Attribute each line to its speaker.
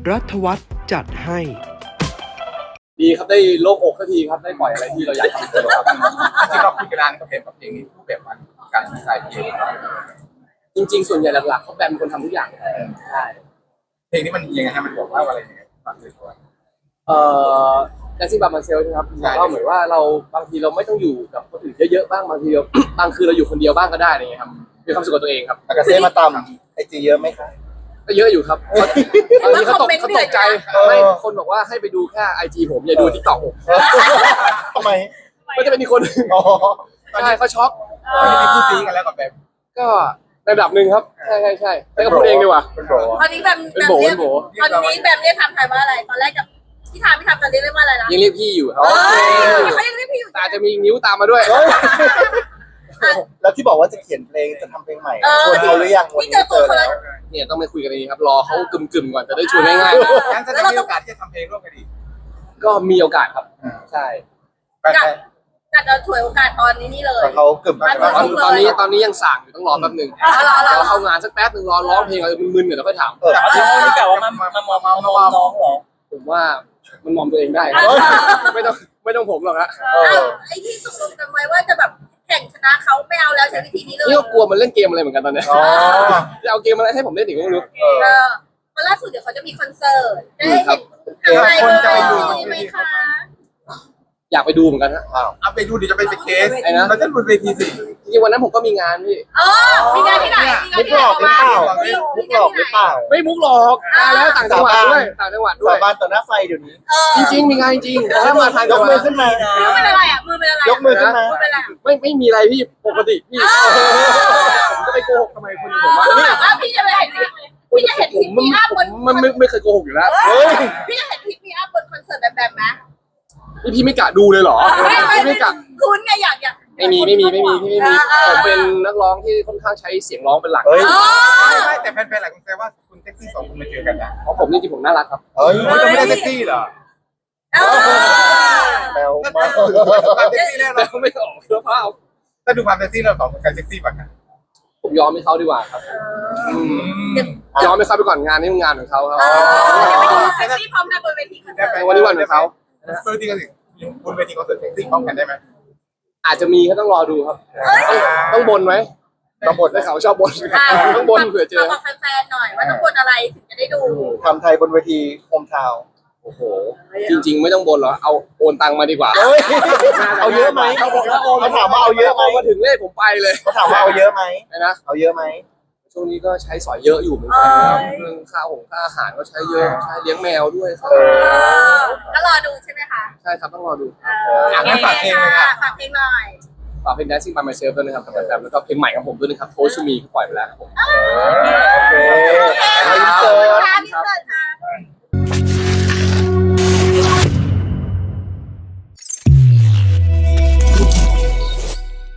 Speaker 1: รัฐวัฒน์จัดให้
Speaker 2: ดีครับได้โล่งอกสักทีครับได้ปล่อยอะไรที่เราอยากทำครับ
Speaker 3: ที่เราคุยกันนานกับเพลงกับเพลงนี้รูปแบบการดีไซน์เพลง
Speaker 2: จริงๆส่วนใหญ่หลักๆเขาแบมเป็นคนทำทุกอย่างใช่
Speaker 3: เพลงนี้มันยังไงฮะมันบอกว่าอะไรยังไงฟังเลยก่อน
Speaker 2: แดนซิ่งบาร์มาเซลใช่ไหมครับก็เหมือนว่าเราบางทีเราไม่ต้องอยู่กับคนอื่นเยอะๆบ้างบางทีเรา บางคืนเราอยู่คนเดียวบ้างก็ได้อะไรเงี้ยครับมีความสุขกับตัวเองครับ
Speaker 4: อากาเซ่มาตำไอจีเยอะไหมคะ
Speaker 2: ก็เยอะอยู่ครับตอนนี้เขาตกใจไม่คนบอกว่าให้ไปดูแค่ไอจีผมอย่าดูทิกตอกผม
Speaker 4: ทำไม
Speaker 2: ก็จะเป็นอีกคนนึง
Speaker 4: อ๋อ
Speaker 2: ใช่เขาช็อก
Speaker 3: ตอนนี้มีคู่ซีกันแล้วกับแบบ
Speaker 2: ก็ระดับหนึ่งครับใช่แต่ก็พูดเองดีกว่า
Speaker 4: เป็นโบ
Speaker 5: ตอนนี้แบม
Speaker 2: เป็นโบ
Speaker 5: เรียก
Speaker 2: เป็นโบ
Speaker 5: ตอนนี้แบมเรียกทำไทยว่าอะไรตอนแรกกับพี่ทำจะเรียกว่าอะไรนะ
Speaker 2: ยังเรียกพี่อยู่ครับ
Speaker 5: เขายังเรียกพี่อยู่
Speaker 2: แต่อาจจะมีนิ้วตามมาด้วย
Speaker 4: แล้วที่บอกว่าจะเขียนเพลงจะทำเพลงใหม่ชวนเขาหรือยังวัน
Speaker 5: นี่เจ
Speaker 4: นี้
Speaker 5: อตัวเขาแล้ว
Speaker 2: เนี่ยต้องไปคุยกันดีครับรอเขากึ่มๆก่อนจะได้ชวนง่ายๆนะ
Speaker 3: งั้นจะได้มีโอกาสที่จะทำเพลงร่วมกันอีก
Speaker 2: ก็มีโอกาสครับใช่
Speaker 5: กัดเราถวยโอกาสตอนนี้นี่เลย
Speaker 4: แต่เขากึ่ม
Speaker 2: ตอนนี้ยังสั่งอยู่ต้องรอแป๊บหนึงรอเข้างานสักแป๊บหนึงรอร้องเพลงอะไรมึนๆเดี๋ยวเราค่อยถาม
Speaker 4: ที่นี่กะว่า
Speaker 3: มองน้องเหรอ
Speaker 2: ผมว่ามันมองตัวเองได้ไม่ต้องผมหรอกฮะ
Speaker 5: ไอ้ที่ตกลงกันไว้ว่าจะแบบแข่งชนะเขาไม่เอาแล้วใช้วิธีนี้เลย
Speaker 2: นี่ก็กลัวมันเล่นเกมอะไรเหมือนกันตอนนี้
Speaker 4: อ๋อ
Speaker 2: จะเอาเกมอะไรให้ผมเล่นอีกก็ไม่รู้
Speaker 5: วันล่าสุดเดี๋ยวเขาจะมีคอนเสิร์ตได้เห็นอะไรไหมคะ
Speaker 2: อยากไปดูเหมือนกันฮะ
Speaker 3: เอาไปดูดิจะไปเป็นเคสเราจะบนเวทีสิ
Speaker 2: จริงๆวันนั้นผมก็มีงานพี่
Speaker 5: มีงานที่ไหน
Speaker 4: มุกหลอกหรือเปล่ามุกหลอกหรือเปล่า
Speaker 2: ไม่มุกหรอกมาแล้วต่างจังหวัดด้วยต่างจังหวัดด้ว
Speaker 4: สาย บานต่อหน้าไฟเดี๋ยวนี้
Speaker 2: จริงๆมีงานจริงแต่ถ้ามาทาง
Speaker 4: ย
Speaker 2: จั
Speaker 4: ก
Speaker 2: งหวั
Speaker 4: มือ
Speaker 2: ด
Speaker 4: ขึ้นมา
Speaker 5: มือเป็นอะไรอ่ะมือเป็นอะไร
Speaker 4: ยกมือขึ้นมา
Speaker 5: มือเป็นอะไร
Speaker 2: ไม่มีอะไรพี่ปกติพี่ผมจะไปโกหกทำไมคนผมว่า
Speaker 5: แบบว่าพี่จะไปเห็นพี่จะเห็นพี่มีอัพบน
Speaker 2: มันไม่เคยโกหกอยู่แล้ว
Speaker 5: พี่จะเห็นพี่มีอัพบนคอนเสิร์ตแบบไหม
Speaker 2: นี่พี่ไม่กะดูเลยเหรอไม่กะ
Speaker 5: คุณไงอยาก
Speaker 2: ไม่มีพี่ไม่มีผมเป็นนักร้องที่ค่อนข้างใช้เสียงร้องเป็นหลัก
Speaker 4: เฮ้ย
Speaker 3: ไม่แต่แฟนๆหลายคนแซวว่าคุณเซ็กซี่สองคนมาเจอกันนะ
Speaker 2: เพราะผมจริงๆผมน่ารักครับ
Speaker 4: เฮ้ย
Speaker 3: มันจะไม่ได้เซ็กซี่เหรอ
Speaker 4: แมวมาก
Speaker 3: ความเซ็กซี่แล้ว
Speaker 2: แต่
Speaker 3: เรา
Speaker 2: ไม่ออกเสื้อผ้า
Speaker 3: ถ้าดูความเซ็กซี่เราสองคนกันเซ็กซี่กว่ากัน
Speaker 2: ผมยอมให้เขาดีกว่าครับยอมให้เขาไปก่อนงานนี้งานของเขาครับ
Speaker 5: เดี๋ยวไปดูเซ็กซี่พร้อมกันบนเวทีคอนเสิร์ต
Speaker 2: วันนี้วันของเขา
Speaker 3: บนเวทีคอนเสิร์ตบนเวทีคอนเสิร์ตเซ็กซี่พร้อมกันได้ไหม
Speaker 2: อาจจะมีก็ต้องรอดูครับต้องบนไหม
Speaker 4: ต้องบท
Speaker 2: ได้ข่าวชอบบนต้องบนเผื่อเจอ
Speaker 5: บอกแฟนๆหน่อยว่าต้องบนอะไรถึงจะได้ดู
Speaker 4: ทำไทยบนเวทีโฮมทาวน์
Speaker 2: โอ้โหจริงๆไม่ต้องบนหรอกเอาโอนตังมาดีกว่า
Speaker 4: เฮ้ยเอาเยอะไหมเขาถามว่าเอาเยอะไหม
Speaker 2: มาถึงเลขผมไปเลย
Speaker 4: เขาถามว่าเอาเยอะไหม
Speaker 2: นะ
Speaker 4: เอาเยอะไหม
Speaker 2: ช่วงนี้ก็ใช้สอยเยอะอยู่เหมือนกันเรื่องค่าอาหารก็ใช้เยอะใช้เลี้ยงแมวด้วยครับ
Speaker 5: ก็รอดูใช่ไหมคะ
Speaker 2: ใช่ครับต้องรอดู
Speaker 3: งั้นฝากเพลงเลยค่ะ
Speaker 5: ฝากเพลงหน่อย
Speaker 2: ฝากเพลง Dancing by Myself ด้วยนะครับแบบแล้วก็เพลงใหม่ของผมด้วยนะครับ Toast to Me ที่ปล่อยไปแล้วครับผม
Speaker 4: โอเค
Speaker 5: ขอบคุณค่ะพี่เสิร์ชค่ะ